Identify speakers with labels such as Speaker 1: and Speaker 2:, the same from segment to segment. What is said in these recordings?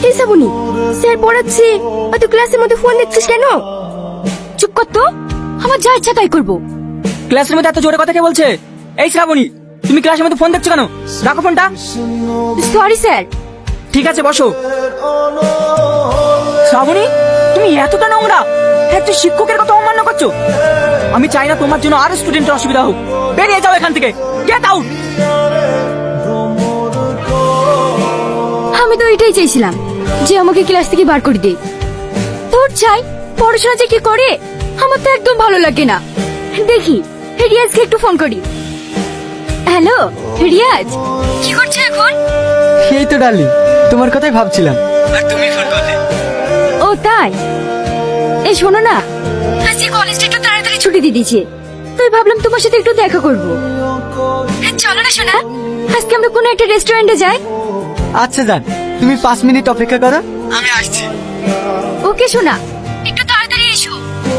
Speaker 1: এই শ্রাবণী, স্যার পড়াচ্ছে আর তুই ক্লাসের মধ্যে ফোন দেখছিস কেন? চুপ কর তো, আমার যা ইচ্ছা তাই করবো।
Speaker 2: ক্লাসের মধ্যে এত জোরে কথা কে বলছে? এই শ্রাবণী, তুমি ক্লাসের মধ্যে ফোন দেখছো কেন? রাখো ফোনটা।
Speaker 1: Sorry sir.
Speaker 2: ঠিক আছে, বসো। শ্রাবণী, তুমি এতটা নোংরা, একজন শিক্ষকের কথা অমান্য করছো। আমি চাই না তোমার জন্য আরো স্টুডেন্টের অসুবিধা হোক। বেরিয়ে যাও এখান থেকে, গেট আউট।
Speaker 1: আমি তো এটাই চাইছিলাম যে আমাকে ক্লাস থেকে বার করে দে। তোর চাই পড়াশোনা যে কি করে আমার তো একদম ভালো লাগে না। দেখি রিয়াজকে একটু ফোন করি। হ্যালো রিয়াজ, কি করছো এখন?
Speaker 3: এই তো ডার্লিং, তোমার কথাই ভাবছিলাম। আর তুমি ফোন করলে।
Speaker 1: ও তাই? এই শোনো না, আজকে কলেজটা একটু তাড়াতাড়ি ছুটি দিয়ে দিয়েছে, তাই ভাবলাম তোমার সাথে একটু দেখা করবো। চলো না শোনা, আজকে আমরা কোনো একটা রেস্টুরেন্টে যাই।
Speaker 3: আচ্ছা যান, তুমি 5 মিনিট অপেক্ষা করো, আমি আসছি।
Speaker 1: ওকে শোনা, একটু তাড়াতাড়ি এসো।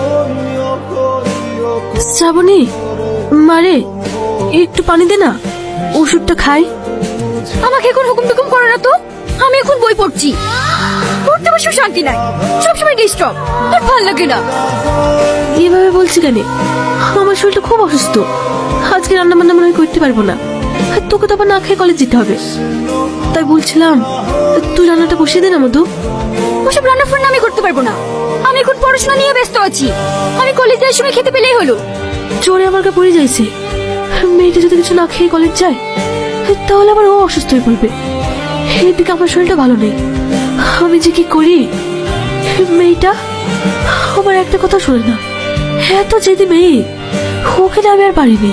Speaker 4: শ্রাবণী, মারে একটু পানি দে না, ওষুধটা খাই।
Speaker 1: আমাকে এখন হুকুম টুকুম করো না তো, আমি এখন বই পড়ছি। পড়তে বসে শান্তি নাই, সবসময় ডিস্টার্ব, আর ভালো লাগে না।
Speaker 4: এভাবে বলছি কেন? আমার শরীরটা খুব অসুস্থ, আজকে রান্না বান্না মনে হয় করতে পারবো না, আর তোকে তো আবার না খেয়ে কলেজ যেতে হবে। তাই বলছিলাম তুই রান্নাটা বসিয়ে দে না মধু।
Speaker 1: ওসব রান্না ফান্না আমি করতে পারবো না, আমি এখন পড়াশোনা নিয়ে ব্যস্ত আছি। আমি কলেজ যাওয়ার সময় খেতে পেলেই হলো।
Speaker 4: চোরে আমার কা পড়ে যাইছে, মেয়েটা যদি কিছু না খেয়ে কলেজ যায় তাহলে আবার ও অসুস্থ হয়ে পড়বে। এদিকে আমার শরীরটা ভালো নেই, আমি যে কি করি। মেয়েটা আমার একটা কথা শোনে না, এত জেদি মেয়ে, ওকে না আমি আর পারিনি।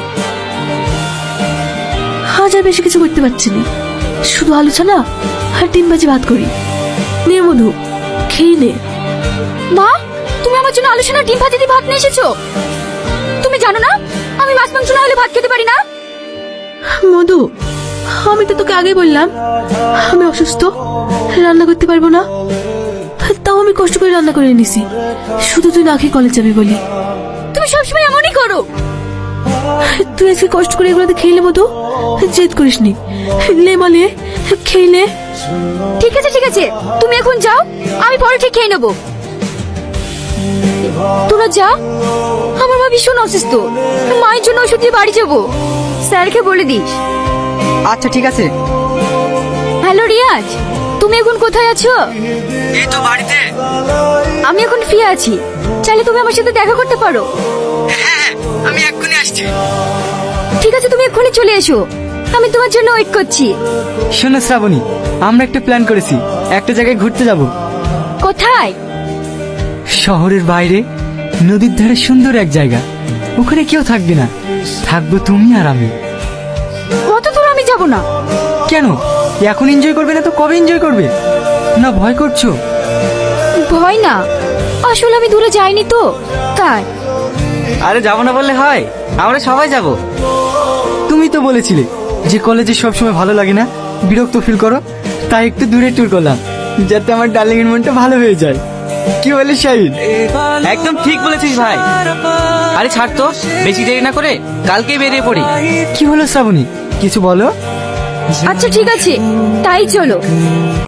Speaker 4: আজ আর বেশি কিছু করতে পারছি না, শুধু আলোচনা আর ডিম ভাজি ভাত করি। নে মধু, খেয়ে নে।
Speaker 1: মা, তুমি আমার জন্য আলোচনা ডিম ভাজি দিয়ে ভাত নিয়ে এসেছো? তুমি জানো না আমি মাছ মাংস না হলে ভাত খেতে পারি না?
Speaker 4: মধু, আমি তো তোকে আগেই বললাম আমি অসুস্থ, রান্না করতে পারবো না, তাও আমি কষ্ট করে রান্না করে নিছি, শুধু তুই না খেয়ে কলেজ যাবি বলি।
Speaker 1: তুমি সবসময় এমনই করো।
Speaker 4: তুই আজকে কষ্ট করে এগুলোতে খেলে মধু, জেদ করিস নি, লে মালে খেলে।
Speaker 1: ঠিক আছে ঠিক আছে, তুমি এখন যাও, আমি পরে ঠিক খেয়ে নেবো। তোরা যা, আমার মা ভীষণ অসুস্থ, মায়ের জন্য ওষুধ দিয়ে বাড়ি যাবো। স্যারকে বলে দিস।
Speaker 3: আচ্ছা ঠিক আছে।
Speaker 1: হ্যালো রিয়াজ, তুমি এখন কোথায় আছো?
Speaker 3: এই তো বাড়িতে।
Speaker 1: আমি এখন ফ্রি আছি, চাইলে তুমি আমার সাথে দেখা করতে পারো।
Speaker 3: হ্যাঁ, আমি এক্ষুনি আসছি।
Speaker 1: ঠিক আছে, তুমি এক্ষুনি চলে এসো, আমি তোমার জন্য ওয়েট করছি।
Speaker 3: শোনো শ্রাবণী, আমরা একটা প্ল্যান করেছি, একটা জায়গায় ঘুরতে যাব।
Speaker 1: কোথায়?
Speaker 3: শহরের বাইরে, নদীর ধারে সুন্দর এক জায়গা, ওখানে কেউ থাকবে না, থাকবো তুমি আর আমি।
Speaker 1: কত দূর আমি যাব না।
Speaker 3: কেন, এখন এনজয় করবে না তো কবে এনজয় করবে? না ভয় করছো?
Speaker 1: ভয় না, আসলে আমি দূরে যাইনি তো তাই।
Speaker 3: আরে যাবো না বললে হয়, আমরা সবাই যাব। তুমি তো বলেছিলে যে কলেজে সবসময় ভালো লাগে না, বিরক্ত ফিল করো, তাই একটু দূরে ট্যুর করলাম, যাতে আমার ডার্লিং এর মনটা ভালো হয়ে যায়। কি বলে শাহিন?
Speaker 2: একদম ঠিক বলেছিস ভাই। আরে ছাড় তো, বেশি দেরি না করে কালকেই বেরিয়ে পড়ি।
Speaker 3: কি হলো শ্রাবণী, কিছু বলো।
Speaker 1: আচ্ছা ঠিক আছে, তাই চলো।